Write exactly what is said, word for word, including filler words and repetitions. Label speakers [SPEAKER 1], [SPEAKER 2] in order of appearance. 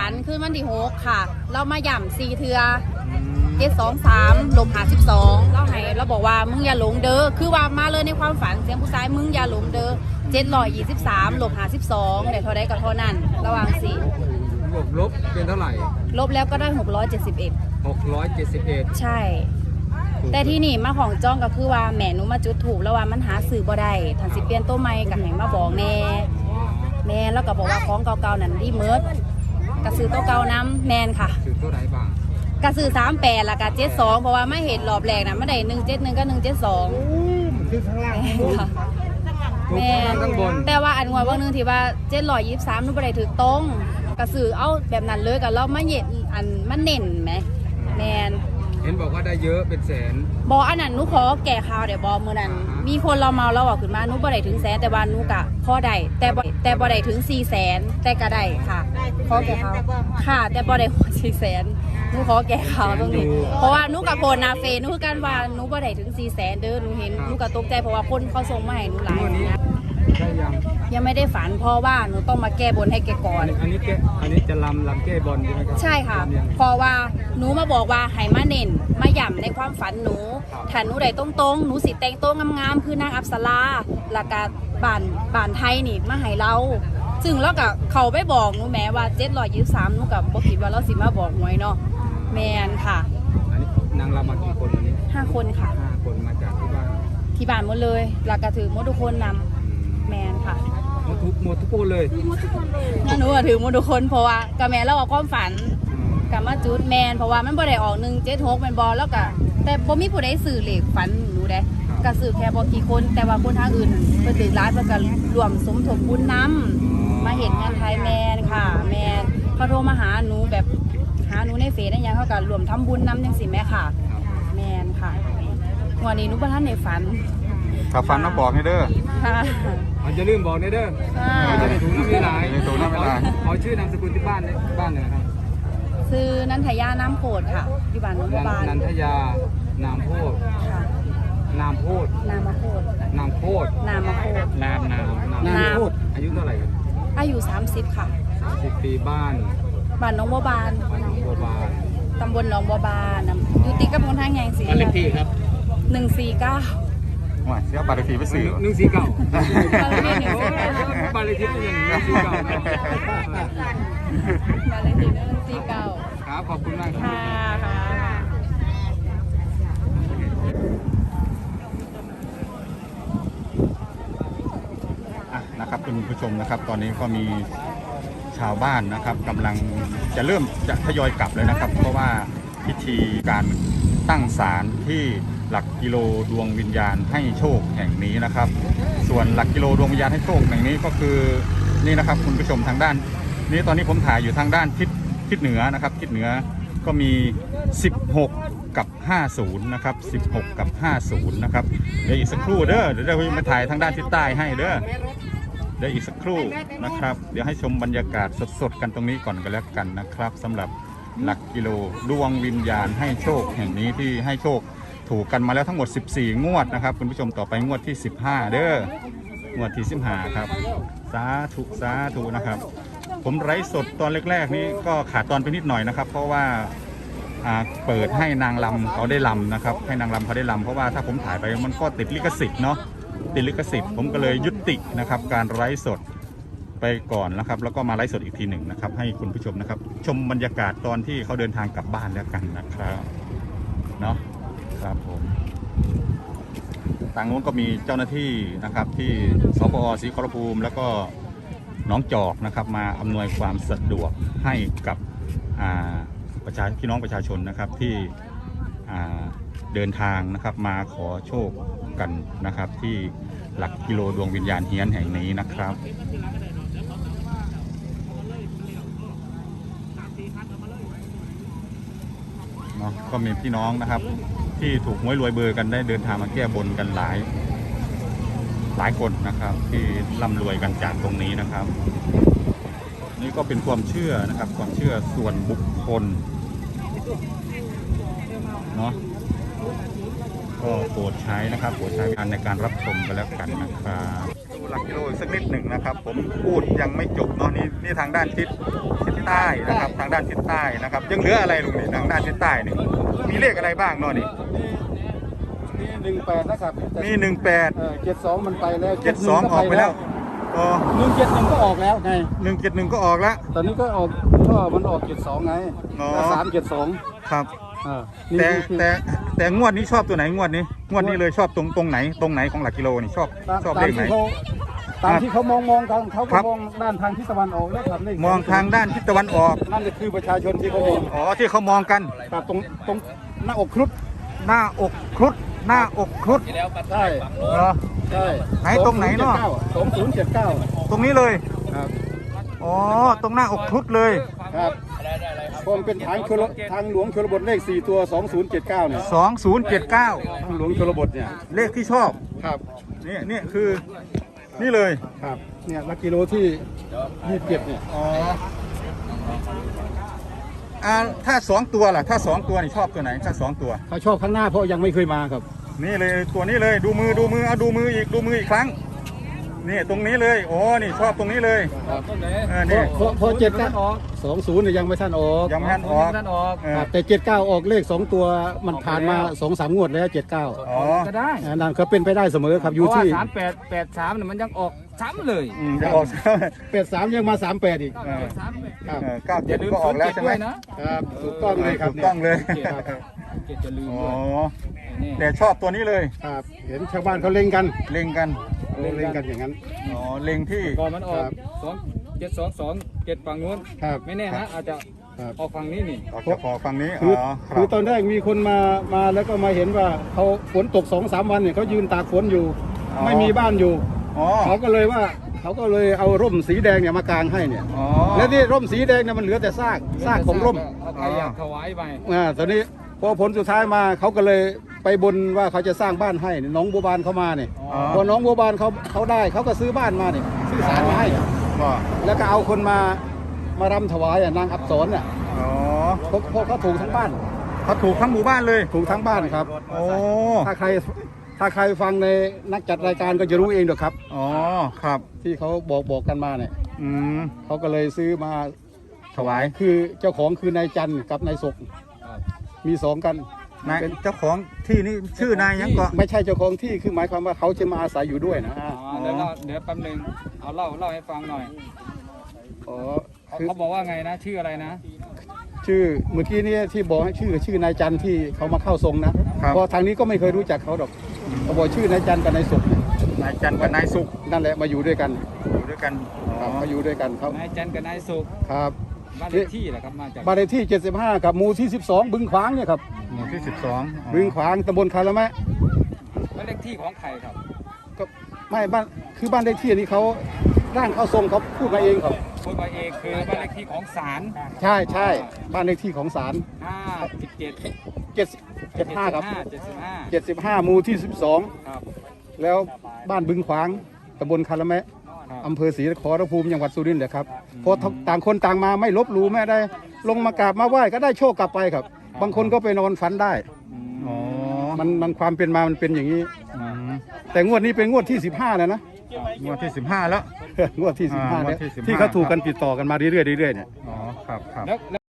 [SPEAKER 1] นขึ้นวันที่หกค่ะเรามาย่ำสี่เทือเจ็ดสองสามลมหาสิบสองเราให้เราบอกว่ามึงอย่าหลงเด้อคือว่ามาเลยในความฝันเสียงผู้ชายมึงอย่าหลงเด้อเจ็ดร้อยยี่สิบสามลบหาสิบสองเดี๋ยวเท่าได้ก็เท่านั้นระหว่างสี่
[SPEAKER 2] บวกลบเป็นเท่าไหร่
[SPEAKER 1] ลบแล้วก็ได้หกร้อยเจ็ดสิบเอ็ด
[SPEAKER 2] หกร้อยเจ็ดสิบเอ็ด
[SPEAKER 1] ใช่แต่ที่นี่มาของจ้องก็คือว่าแม่หนูมาจุดถูกแล้วว่ามันหาสื่อบ่ได้ทันสิเปลี่ยนตัวใหม่กับแห่งมาบอกแน่แม่แล้วก็บอกว่าของเก่าๆนั่นรีเมิร์ดกระสือตัวเก่าน้ำแมนค่ะ
[SPEAKER 2] ซื้อตัวไหนบ้าง
[SPEAKER 1] กระสือสามแปดละกับเจ็ดสองเพราะว่าไม่เห็นรอบแรกนะไม่ได้หนึ่งเจ็ดหนึ่งก็หนึ่งเจ็ดสอง
[SPEAKER 2] คือข้างล่าง
[SPEAKER 1] ค่ะ
[SPEAKER 2] แม่ข้างบน
[SPEAKER 1] แต่ว่าอันว่าวันนึงที่ว่าเจ็ดร้อยยี่สิบสามนู่นไปได้ถือตรงกระสือเอาแบบนั้นเลยกับเราไม่เห็นอันมันเน่นไหมแมน
[SPEAKER 2] เห็นบอกว่าได้เยอะเป็นแสน
[SPEAKER 1] บออันนั้นนุขอแก่ข่าวเดี๋ยวบอมือนั้นมีคนเราเมาเราบอกขึ้นมานุบ่ได้ถึงแสนแต่ว่านุกะพอได้แต่แต่บ่ได้ถึงสี่แสนแต่ก็ได้ค่ะขอแก่ข่าวค่ะแต่บ่ได้สี่แสนนุขอแก่ข่าวตรงนี้เพราะว่านุกะโพนนาเฟนุคือกันว่านุบ่ได้ถึงสี่แสนเด้อนุเห็นนุกะตกใจเพราะว่าคนเขาส่งมาให้นุหลายนะ
[SPEAKER 2] ได้ยัง
[SPEAKER 1] ยังไม่ได้ฝันเพราะว่าหนูต้องมาแก้บนให้แกก่อน
[SPEAKER 2] อันนี้แกอันนี้จะลำลำแก้บนใช่ไหมครับ
[SPEAKER 1] ใช่ค่ะเพราะว่าหนูมาบอกว่าให้มาเน้นมาย่ำในความฝันหนูถ้าหนูได้ตรงๆหนูสิแต่งโต๊ะงามๆคือนางอัปสราแล้วก็บ้านบ้านไทยนี่มาให้เราซึ่งแล้วก็เขาไปบอกหนูแม้ว่าเจ็ดร้อยยี่สิบสามหนูกับบอกคิดว่าเราสิมาบอกหวยเนาะแมนค่ะ
[SPEAKER 2] อันนี้นางรำมากี่คนวันนี้
[SPEAKER 1] ห้าคนค่ะ
[SPEAKER 2] ห้าคนมาจากที่บ้าน
[SPEAKER 1] ที่บ้านหมดเลยแล้วก็ถือหมดทุกคนนำแมนค่ะ
[SPEAKER 2] หมดทุกหมดทุกคนเลย
[SPEAKER 1] งั้นหนูถือหมดทุกคนเพราะว่ากับแม่เราเอาความฝันกับมาจุดแมนเพราะว่ามันบ่ได้ออกหนึ่งเจ็ดหกเป็นบอลแล้วก็แต่บ่มีผู้ใดสื่อเหล็กฝันหนูได้ก็สื่อแค่บ่กี่คนแต่ว่าคนทางอื่นเพิ่นตื่นร้านเพิ่นก็รวมสมทบบุญน้ำมาเห็นงานไทยแมนค่ะแมนเขาโทรมาหาหนูแบบหาหนูในเฟซได้ยังเขาก็รวมทำบุญน้ำจังสิแม่ค่ะแมนค่ะวันนี้หนูบ่ทันได้ฝัน
[SPEAKER 3] ถ้าฝันมาบอกให้เด้อ
[SPEAKER 1] ค่ะ
[SPEAKER 2] มันจะลืมบอกเด้อเราจะได้ถูกน้ำไม่ลาย
[SPEAKER 3] ถูกน้ำไม่ลาย
[SPEAKER 2] ขอชื่อนามสกุลที่บ้านบ้านเลยครับ
[SPEAKER 1] ชื่อนันทยาน้ำโพดค่ะอยู่บ้านนนทบาล
[SPEAKER 2] นันทยานามโพดนามโพด
[SPEAKER 1] นามโพด
[SPEAKER 2] นามโพด
[SPEAKER 1] นามโพด
[SPEAKER 2] นามนามนามโพดอายุเท่าไหร่ครับ
[SPEAKER 1] อายุสามสิบค่ะ
[SPEAKER 2] สิบปีบ้าน
[SPEAKER 1] บ้านน้องบัวบาน
[SPEAKER 2] บ้านน้องบัวบาน
[SPEAKER 1] ตำบลหนองบัวบานอยู่ติดกับพงทางแยงสี
[SPEAKER 2] บ้านเลขที่ครับ
[SPEAKER 1] หนึ่งสี่เก้า
[SPEAKER 3] ว่าเสียบาร์ทีไปสื่อ
[SPEAKER 2] หนึ่งสี่เก้าบาร์ทีหนึ่งบาร์ทีหนึ่งสี่เก้าบาร์
[SPEAKER 1] ทีหนึ่งสี่เก้า
[SPEAKER 2] ครับขอบคุณมาก
[SPEAKER 1] ค่ะค่ะ
[SPEAKER 3] นะครับคุณผู้ชมนะครับตอนนี้ก็มีชาวบ้านนะครับกำลังจะเริ่มจะทยอยกลับเลยนะครับเพราะว่าพิธีการตั้งศาลที่หลักกิโลดวงวิญญาณให้โชคแห่งนี้นะครับส่วนหลักกิโลดวงวิญญาณให้โชคแห่งนี้ก็คือนี่นะครับคุณผู้ชมทางด้านนี้ตอนนี้ผมถ่ายอยู่ทางด้านทิศทิศเหนือนะครับทิศเหนือก็มีสิบหกกับห้าสิบนะครับสิบหกกับห้าสิบนะครับเดี๋ยวอีกสักครู่เด้อเดี๋ยวเรามาถ่ายทางด้านทิศใต้ให้เด้อเดี๋ยวอีกสักครู่นะครับเดี๋ยวให้ชมบรรยากาศสดๆกันตรงนี้ก่อนกันแล้วกันนะครับสำหรับหลักกิโลดวงวิญญาณให้โชคแห่งนี้ที่ให้โชคถูกกันมาแล้วทั้งหมดสิบสี่งวดนะครับคุณผู้ชมต่อไปงวดที่สิบห้าเด้องวดที่สิบห้าครับสาธุสาธุนะครับผมไลฟ์สดตอนแรกๆนี้ก็ขาดตอนไปนิดหน่อยนะครับเพราะว่าเปิดให้นางรำเขาได้รำนะครับให้นางรำเขาได้รำเพราะว่าถ้าผมถ่ายไปมันก็ติดลิขสิทธิ์เนาะติดลิขสิทธิ์ผมก็เลยยุตินะครับการไลฟ์สดไปก่อนนะครับแล้วก็มาไลฟ์สดอีกทีหนึ่งนะครับให้คุณผู้ชมนะครับชมบรรยากาศตอนที่เขาเดินทางกลับบ้านแล้วกันนะครับเนาะครับผมทางโน้นก็มีเจ้าหน้าที่นะครับที่สปอ.ศรีขอรภูมิแล้วก็น้องจอกนะครับมาอำนวยความสะดวกให้กับประชาพี่น้องประชาชนนะครับที่เดินทางนะครับมาขอโชคกันนะครับที่หลักกิโลดวงวิญญาณเฮียนแห่งนี้นะครับเนาะก็มีพี่น้องนะครับที่ถูกหวยรวยเบอร์กันได้เดินทางมาแก้บนกันหลายหลายคนนะครับที่ร่ำรวยกันจากตรงนี้นะครับนี่ก็เป็นความเชื่อนะครับความเชื่อส่วนบุคคลเนาะก็โปรดใช้นะครับโปรดใช้งานในการรับชมกันแล้วกันนะครับหลักกิโลอีกสักนิดหนึ่งนะครับ ผมพูดยังไม่จบเนาะนี่นี่ทางด้านทิศทิศใต้นะครับทางด้านทิศใต้นะครับยังเหลืออะไรลุงนี่ทางด้านทิศใต้นี่มีเลขอะไรบ้างเนาะนี่
[SPEAKER 4] มีหนึ่งแปดนะครับ
[SPEAKER 3] มีหนึ่งแปด
[SPEAKER 4] เจ็ดสองมันไปแล้ว
[SPEAKER 3] เจ็ดสองออกไปแล้วอ๋อ
[SPEAKER 4] หนึ่งเจ็ดหนึ่งก็ออกแล้วไง
[SPEAKER 3] หนึ่งเจ็ดหนึ่งก็ออกแล้ว
[SPEAKER 4] ตอนนี้ก็ออกก็มันออกเจ็ดสองไง
[SPEAKER 3] อ๋อ
[SPEAKER 4] สามเจ็ดสอง
[SPEAKER 3] ครับ
[SPEAKER 4] อ่า
[SPEAKER 3] แต่
[SPEAKER 4] นี่คือ
[SPEAKER 3] แต่แต่งวดนี้ชอบตัวไหนงวดนี้งวดนี้เลยชอบตรงตรงไหนตรงไหนของหลักกิโลนี่ชอบ
[SPEAKER 4] ตาม
[SPEAKER 3] ชอบ
[SPEAKER 4] ตา
[SPEAKER 3] เล
[SPEAKER 4] ม
[SPEAKER 3] ขไหน
[SPEAKER 4] ที่เขาตามที่เขามองมองกันเขา
[SPEAKER 3] ครั
[SPEAKER 4] ก็
[SPEAKER 3] บ
[SPEAKER 4] มองด้านทางทิศตะวันออกแล้วครับเลข
[SPEAKER 3] มองทางด้านทิศตะวันออก
[SPEAKER 4] นั่นก็คือประชาชนที่เขามอง
[SPEAKER 3] อ๋อที่เขามองกัน
[SPEAKER 4] ครับตรงตรงหน้าอกครุฑ
[SPEAKER 3] หน้าอกครุฑหน้าอกครุฑ
[SPEAKER 4] ใช่
[SPEAKER 3] เหรอ
[SPEAKER 4] ใช่
[SPEAKER 3] ไหนตรงไหนเนาะ
[SPEAKER 4] สองศูนย์เจ็ดเก้า
[SPEAKER 3] ตรงนี้เลย
[SPEAKER 4] ครับ
[SPEAKER 3] อ๋อตรงหน้าอกครุฑเลย
[SPEAKER 4] ครับเพราะมันเป็นทางชลทางหลวงชลบทเลขสี่ตัวสองศูนย์เจ็ดเก้าเนี่ย
[SPEAKER 3] สองศูนย์เจ็ดเก้า
[SPEAKER 4] ทางหลวงชลบทเนี่ย
[SPEAKER 3] เลขที่ชอบ
[SPEAKER 4] ครับ
[SPEAKER 3] นี่นี่คือนี่เลย
[SPEAKER 4] ครับเนี่ยหลักกิโลที่ยี่สิบเจ็ดเนี่ย
[SPEAKER 3] อ๋ออ่าถ้าสองตัวล่ะถ้าสองตัวนี่ชอบตัวไหนถ้าสองตัว
[SPEAKER 4] เขาชอบข้างหน้าเพราะยังไม่เคยมาครับ
[SPEAKER 3] นี่เลยตัวนี้เลยดูมือดูมือเอาดูมืออีกดูมืออีกครั้งนี่ตรงนี้เลยโอ้นี่ชอบตรงนี้เลย
[SPEAKER 4] ครับ
[SPEAKER 3] เออนี่
[SPEAKER 4] เพราะเพราะเจ็ดเก้าสองศูนย์เนี่ยยังไม่ท่านออก
[SPEAKER 3] ยังไม่ทันออกเออ
[SPEAKER 4] ครับแต่เจ็ดเก้าออกเลขสองตัวมันผ่านมาสองสามงวดแล้วเจ็ดเก้า
[SPEAKER 3] อ๋อ
[SPEAKER 2] ก็ได้
[SPEAKER 4] นั่นก็เป็นไปได้เสมอครับอยู่
[SPEAKER 2] เพราะว่า
[SPEAKER 4] ที่
[SPEAKER 2] สามแปดแปดสามเนี่ยมันยังออกซ้ำเลย
[SPEAKER 3] อืมจะออก
[SPEAKER 4] แปดสามยังมาสามแปดอีก
[SPEAKER 3] เออ
[SPEAKER 2] สามแปด
[SPEAKER 4] ครับ
[SPEAKER 3] เออเก้า
[SPEAKER 2] อ
[SPEAKER 3] เจ็ด
[SPEAKER 2] ย่าลืม
[SPEAKER 3] ก็ออกแล้วใช่ไหม
[SPEAKER 2] ด้วยนะครับ
[SPEAKER 4] ถูกต้องเลยครับ
[SPEAKER 3] ถูกต้องเลย
[SPEAKER 4] ครับ
[SPEAKER 2] เจ็ดจะลืม
[SPEAKER 3] อ๋อ
[SPEAKER 2] ด้วยนี่
[SPEAKER 3] แต่ชอบตัวนี้เลย
[SPEAKER 4] ครับเห็นชาวบ้านเขาเล็งกัน
[SPEAKER 3] เล็งกัน
[SPEAKER 4] เล็งกันอย่างนั้น
[SPEAKER 3] อ๋อเล็งที่
[SPEAKER 2] ก่อนมันออก
[SPEAKER 4] ครับ
[SPEAKER 2] สองเจ็ดสองสองเจ็ดฝั่งนู้น
[SPEAKER 4] ครับ
[SPEAKER 2] ไม่แน่นะอาจจะ
[SPEAKER 4] ครับ
[SPEAKER 2] ออกฝั่งนี้นี่
[SPEAKER 3] ออกจากพอฝั่งนี้
[SPEAKER 4] คือ
[SPEAKER 3] อ๋อค
[SPEAKER 4] คือ
[SPEAKER 3] รับ
[SPEAKER 4] ตอนแรกมีคนมามาแล้วก็มาเห็นว่าเขาฝนตกสองสามวันเนี่ยเขายืนตากฝนอยู่ ไม่มีบ้านอยู่
[SPEAKER 3] อ๋อ
[SPEAKER 4] เขาก็เลยว่าเขาก็เลยเอาร่มสีแดงเนี่ยมากางให้เนี่ย
[SPEAKER 3] อ๋อ
[SPEAKER 4] แล้วที่ร่มสีแดงเนี่ยมันเหลือแต่ซากซากของร่ม
[SPEAKER 2] เอาใครอยากถวายไป
[SPEAKER 4] อ่าตอนนี้พอผลสุดท้ายมาเขาก็เลยไปบนว่าเขาจะสร้างบ้านให้น้องบัวบานเขามาเนี่ย
[SPEAKER 3] อ๋อ
[SPEAKER 4] พอน้องบัวบานเขาเขาได้เขาก็ซื้อบ้านมาเนี่ยซื้อศาลมาให้
[SPEAKER 3] ก็
[SPEAKER 4] แล้วก็เอาคนมามารำถวายอ่ะนางอับสรอ่ะ
[SPEAKER 3] อ๋อ
[SPEAKER 4] เพราะเพราะเขาถูกทั้งบ้าน
[SPEAKER 3] เขาถูกทั้งหมู่บ้านเลย
[SPEAKER 4] ถูกทั้งบ้านครับ
[SPEAKER 3] โอ้
[SPEAKER 4] ถ้าใครถ้าใครฟังในนักจัดรายการก็จะรู้เองเด้อครับ
[SPEAKER 3] อ๋อครับ
[SPEAKER 4] ที่เขาบอกบอกกันมาเนี่ย
[SPEAKER 3] อืม
[SPEAKER 4] เขาก็เลยซื้อมา
[SPEAKER 3] ถวาย
[SPEAKER 4] คือเจ้าของคือนายจันทร์กับนายศกมีสองกัน
[SPEAKER 3] นาย
[SPEAKER 4] เป็น
[SPEAKER 3] เจ้าของที่นี่ชื่อนายยังก็
[SPEAKER 4] ไม่ใช่เจ้าของที่คือหมายความว่าเขาจะมาอาศัยอยู่ด้วยนะ
[SPEAKER 2] อ๋อเดี๋ยวเราเดี๋ยวแป๊บนึงเอาเล่าเล่าให้ฟังหน่อย
[SPEAKER 4] อ๋อ
[SPEAKER 2] เขา
[SPEAKER 4] คือ
[SPEAKER 2] เขาบอกว่าไงนะชื่ออะไรนะ
[SPEAKER 4] ชื่อเมื่อกี้เนี่ยที่บอกให้ชื่อชื่อนายจันทร์ที่เขามาเข้าทรงนะเพราะทางนี้ก็ไม่เคยรู้จักเขาดอกเขาบอกชื่อนายจันทร์กับนายศกเนี่ย
[SPEAKER 3] นายจันทร์กับนายสุข
[SPEAKER 4] นั่นแหละมาอยู่ด้วยกัน
[SPEAKER 3] อยู่ด้วยกันอ๋
[SPEAKER 4] ค
[SPEAKER 3] อ
[SPEAKER 4] รับมาอยู่ด้วยกันเขา
[SPEAKER 2] นายจันทร์กับนายสุข
[SPEAKER 4] ครับ
[SPEAKER 2] บ้านเลขที่แหละครับมาจาก
[SPEAKER 4] บ้านเลขที่เจ็ดสิบห้ากับหมู่ที่สิบสองบึงขวางเนี่ยครับ
[SPEAKER 3] หมู่ที่สิบสอง
[SPEAKER 4] บึงขวางตำบลคาระแมะ
[SPEAKER 2] บ้านเลขที่ของใครครับ
[SPEAKER 4] ก็ไม่บ้านคือบ้านเลขที่นี้เขาร่างเข้าทรงเขาพูดมาเองครับ
[SPEAKER 2] พูดมาเองคือบ้านเลขที่ของศาล
[SPEAKER 4] ใช่ใช่บ้านเลขที่ของศาล
[SPEAKER 2] ห้าสิบเจ็ด
[SPEAKER 4] เจ็ดเจ็ดห้าครับ
[SPEAKER 2] เจ็ดสิบห้า
[SPEAKER 4] เจ็ดสิบห้าหมู่ที่สิบสอง
[SPEAKER 2] ครับ
[SPEAKER 4] แล้วบ้านบึงขวางตำบลคาระแมะ
[SPEAKER 2] ครับ
[SPEAKER 4] อำเภอศรีนครภูมิจังหวัดสุรินทร์เลยครับเพราะต่างคนต่างมาไม่ลบหลู่ไม่ได้ ลงมากราบมาไหว้ก็ได้โชคกลับไปครับ บางคนก็ไปนอนฝันได้
[SPEAKER 3] อ๋อ
[SPEAKER 4] มันมันความเป็นมามันเป็นอย่างนี้
[SPEAKER 3] อืม
[SPEAKER 4] แต่งวดนี้เป็นงวดที่สิบห้าแล้วนะ
[SPEAKER 3] งวดที่สิบห้าแล้ว
[SPEAKER 4] งวดที่สิบห้า
[SPEAKER 3] อ่างว
[SPEAKER 4] แล้
[SPEAKER 3] ด
[SPEAKER 4] ว
[SPEAKER 3] ที่สิบห้า
[SPEAKER 4] ที่เขาถูกกันติดต่อกันมาเรื่อยๆเรื่อยๆเนี่ย
[SPEAKER 3] อ๋อครับครับ
[SPEAKER 2] แล้ว